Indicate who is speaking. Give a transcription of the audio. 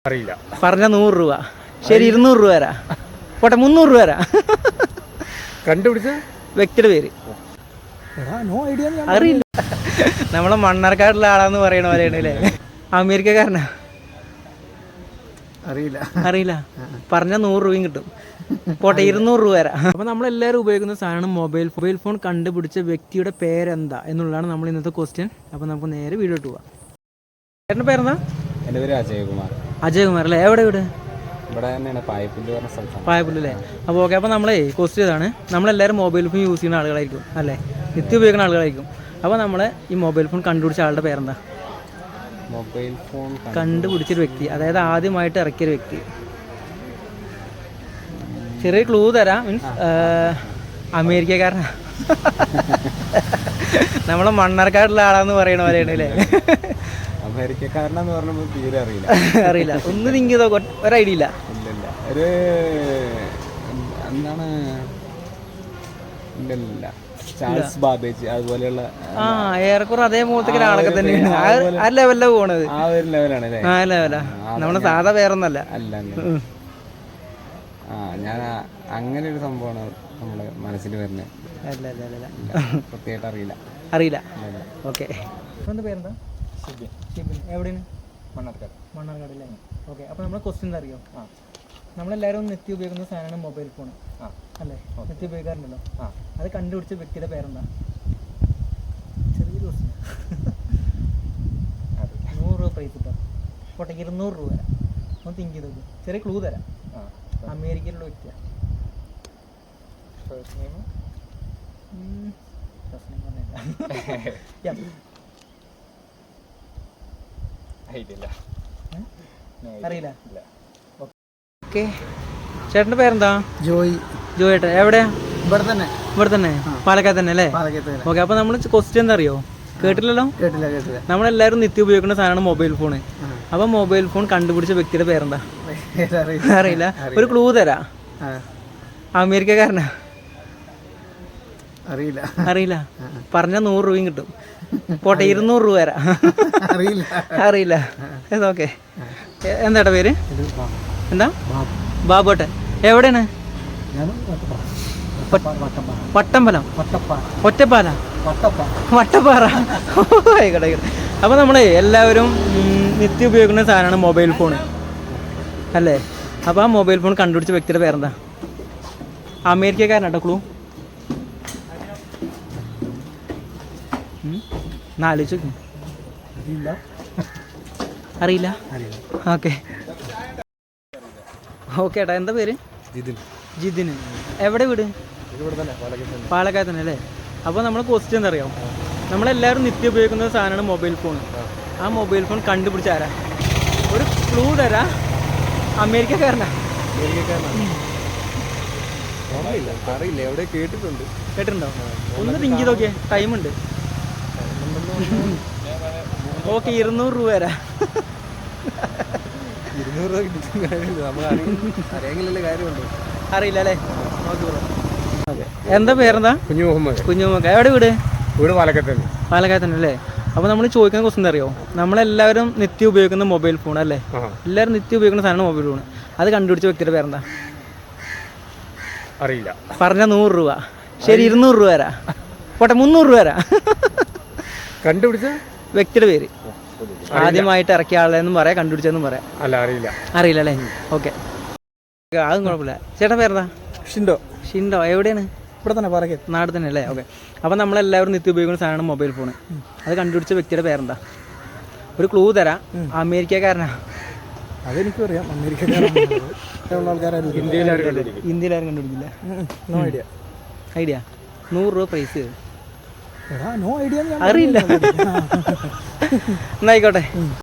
Speaker 1: അറിയില്ല.
Speaker 2: പറഞ്ഞ 100 രൂപ. ശരി, 200 രൂപ തരാ. പോട്ടെ, 300 രൂപ തരാ.
Speaker 1: കണ്ടുപിടിച്ച
Speaker 2: വ്യക്തിയുടെ പേര് അറിയില്ല. നമ്മളെ മണ്ണാർക്കാടുള്ള ആളാന്ന് പറയണ പോലെയാണ് അല്ലേ? അമേരിക്കക്കാരനാ? അറിയില്ല. പറഞ്ഞ 100 രൂപയും കിട്ടും. പോട്ടെ, 200 രൂപ തരാം. അപ്പോൾ നമ്മളെല്ലാവരും ഉപയോഗിക്കുന്ന സാധനം മൊബൈൽ ഫോൺ കണ്ടുപിടിച്ച വ്യക്തിയുടെ പേരെന്താ എന്നുള്ളതാണ് നമ്മൾ ഇന്നത്തെ ക്വസ്റ്റ്യൻ. അപ്പോൾ നമുക്ക് നേരെ വീഡിയോ ഇട്ട് പോവാം. ചേട്ടൻ്റെ പേരെന്താ?
Speaker 1: എൻ്റെ പേര് അജയകുമാർ.
Speaker 2: അജയകുമാർ അല്ലേ? എവിടെ വീട്?
Speaker 1: ഇവിടെ തന്നെയാണ്, പായപ്പുല്ല് പറഞ്ഞ സ്ഥലത്താണ്.
Speaker 2: പായപ്പുല്ല് അല്ലേ? അപ്പോൾ ഓക്കെ. അപ്പോൾ നമ്മളെ ക്വസ്റ്റ്യൻ ഇതാണ്. നമ്മളെല്ലാവരും മൊബൈൽ ഫോൺ യൂസ് ചെയ്യുന്ന ആളുകളായിരിക്കും അല്ലേ? നിത്യം ഉപയോഗിക്കുന്ന ആളുകളായിരിക്കും. അപ്പോൾ നമ്മൾ ഈ മൊബൈൽ ഫോൺ കണ്ടുപിടിച്ച ആളുടെ പേരെന്താ?
Speaker 1: മൊബൈൽ ഫോൺ
Speaker 2: കണ്ടുപിടിച്ചൊരു വ്യക്തി, അതായത് ആദ്യമായിട്ട് ഇറക്കിയൊരു വ്യക്തി. ചെറിയ ക്ലൂ തരാം. മീൻസ് അമേരിക്കക്കാരനാ. നമ്മളെ മണ്ണാർക്കാടുള്ള ആളാന്ന് പറയണ പോലെയാണ് അല്ലേ?
Speaker 1: അമേരിക്കക്കാരനെന്ന് പറഞ്ഞപ്പോൾ തീരെ
Speaker 2: അറിയില്ല. ഒന്ന് തിങ്ക് ചെയ്തോ, ഒരു ഐഡിയ ഇല്ല.
Speaker 1: ഒരു എന്താണ്, ഇല്ല ചാൾസ് ബാബേജ് അതുപോലെയുള്ള
Speaker 2: ഏറെക്കുറെ അതേപോലത്തെ ഒരാളൊക്കെ തന്നെയാണ്. ആ ലെവലിലാണ് പോണത്.
Speaker 1: ആ ഒരു ലെവലാണ് അല്ലേ?
Speaker 2: ആ ലെവലാ. നമ്മുടെ സാധാ പേരൊന്നല്ല.
Speaker 1: അല്ല. ഞാൻ അങ്ങനെ ഒരു സംഭവമാണ് നമ്മുടെ മനസ്സിൽ വരുന്നത്.
Speaker 2: അല്ല.
Speaker 1: പ്രത്യേകിച്ച്
Speaker 2: അറിയില്ല. ഓക്കെ. എന്താ പേരെന്താ? ഷിബിൻ. എവിടെയാണ്? മണ്ണാർക്കാട് അല്ലേ? ഓക്കെ. അപ്പോൾ നമ്മുടെ ക്വസ്റ്റ്യൻ എന്താ അറിയോ? നമ്മളെല്ലാവരും നിത്യം ഉപയോഗിക്കുന്ന സാധനമാണ് മൊബൈൽ ഫോൺ അല്ലേ? നിത്യം ഉപയോഗിക്കാറുണ്ടല്ലോ. അത് കണ്ടുപിടിച്ച വ്യക്തിയുടെ പേരെന്താ? ചെറിയൊരു ക്വസ്റ്റ്യൻ. 100 രൂപ പ്രൈസ് കിട്ടാം. പോട്ടെ, 200 രൂപ തരാം. ഒന്ന് തിങ്ക് ചെയ്ത് നോക്ക്. ചെറിയ ക്ലൂ തരാം. അമേരിക്കയിലുള്ള വ്യക്തിയാണ്. അറിയില്ല. ഓക്കെ. ചേട്ടൻ്റെ പേരെന്താ? ജോയിട്ടൻ. എവിടെയാ? ഇവിടെ തന്നെ പാലക്കാട് തന്നെ അല്ലേ? ഓക്കെ. അപ്പോൾ നമ്മൾ ക്വസ്റ്റ്യൻ എന്താ അറിയോ? കേട്ടില്ലല്ലോ? കേട്ടില്ല. നമ്മളെല്ലാവരും നിത്യം ഉപയോഗിക്കുന്ന സാധനമാണ് മൊബൈൽ ഫോണ്. അപ്പോൾ മൊബൈൽ ഫോൺ കണ്ടുപിടിച്ച വ്യക്തിയുടെ പേരെന്താ? അറിയില്ല. ഒരു ക്ലൂ തരാ. അമേരിക്കക്കാരനാ? അറിയില്ല. പറഞ്ഞ 100 രൂപയും കിട്ടും. പോട്ടെ, 200 രൂപ തരാം. അറിയില്ല. ഓക്കെ. എന്താ പേര്? എന്താ? ബാബുട്ടൻ. എവിടെയാണ്? വട്ടമ്പലം. ഒറ്റപ്പാല. വട്ടപ്പാറ. ആയിക്കോട്ടെ. അപ്പോൾ നമ്മൾ എല്ലാവരും നിത്യം ഉപയോഗിക്കുന്ന സാധനമാണ് മൊബൈൽ ഫോൺ അല്ലേ? അപ്പോൾ ആ മൊബൈൽ ഫോൺ കണ്ടുപിടിച്ച വ്യക്തിയുടെ പേരെന്താ? അമേരിക്കക്കാരനാട്ടോ. ക്ലൂ ആലോചിച്ചു. അറിയില്ല. ഓക്കെ ഏട്ടാ. എന്താ പേര്? ജിതിൻ. എവിടെ വീട്? പാലക്കാട് തന്നെ അല്ലേ? അപ്പോൾ നമ്മൾ ക്വസ്റ്റ്യൻ എന്താ അറിയാം? നമ്മളെല്ലാവരും നിത്യം ഉപയോഗിക്കുന്ന സാധനമാണ് മൊബൈൽ ഫോൺ. ആ മൊബൈൽ ഫോൺ കണ്ടുപിടിച്ച ആരാ? ഒരു ക്ലൂ തരാ. അമേരിക്കക്കാരനാ?
Speaker 1: അറിയില്ല. എവിടെ
Speaker 2: കേട്ടിട്ടുണ്ടോ? ഒന്ന് തിങ്ക് ചെയ്ത് നോക്കിയേ. ടൈമുണ്ട്. ഓക്കെ, 200 രൂപ തരാ.
Speaker 1: 200 രൂപ
Speaker 2: അറിയില്ല അല്ലേ? ഓക്കെ. എന്താ പേരെന്താ? കുഞ്ഞുമുഹമ്മദ്. എവിടെ വീട്? പാലക്കാട് തന്നെ അല്ലേ? അപ്പോൾ നമ്മൾ ചോദിക്കുന്ന ക്വസ്റ്റ്യൻ എന്താ അറിയോ? നമ്മളെല്ലാവരും നിത്യം ഉപയോഗിക്കുന്ന മൊബൈൽ ഫോൺ അല്ലേ? എല്ലാവരും നിത്യം ഉപയോഗിക്കുന്ന സാധനമാണ് മൊബൈൽ ഫോൺ. അത് കണ്ടുപിടിച്ച വ്യക്തിയുടെ പേരെന്താ?
Speaker 1: അറിയില്ല.
Speaker 2: പറഞ്ഞ 100 രൂപ. ശരി, 200 രൂപ തരാ. പോട്ടെ, 300 രൂപ തരാ.
Speaker 1: കണ്ടുപിടിച്ച
Speaker 2: വ്യക്തിയുടെ പേര് ആദ്യമായിട്ട് ഇറക്കിയ ആളെന്നും പറയാം, കണ്ടുപിടിച്ചെന്നും പറയാം. അറിയില്ല അല്ലേ? ഓക്കെ. അതും കുഴപ്പമില്ല. ചേട്ടൻ പേരെന്താ? ഷിൻഡോ. എവിടെയാണ്?
Speaker 1: ഇവിടെ തന്നെ, പാലക്കാട്
Speaker 2: നാട് തന്നെ അല്ലേ? ഓക്കെ. അപ്പോൾ നമ്മളെല്ലാവരും നിത്യം ഉപയോഗിക്കുന്ന സാധനമാണ് മൊബൈൽ ഫോൺ. അത് കണ്ടുപിടിച്ച വ്യക്തിയുടെ പേരെന്താ? ഒരു ക്ലൂ തരാം. അമേരിക്കക്കാരനാ?
Speaker 1: അതെനിക്കും അറിയാം. അമേരിക്കക്കാരാണ്.
Speaker 2: ഇന്ത്യയിലാരും കണ്ടുപിടിക്കില്ല. ഐഡിയ 100 രൂപ പ്രൈസ്. അറിയില്ല. എന്നായിക്കോട്ടെ.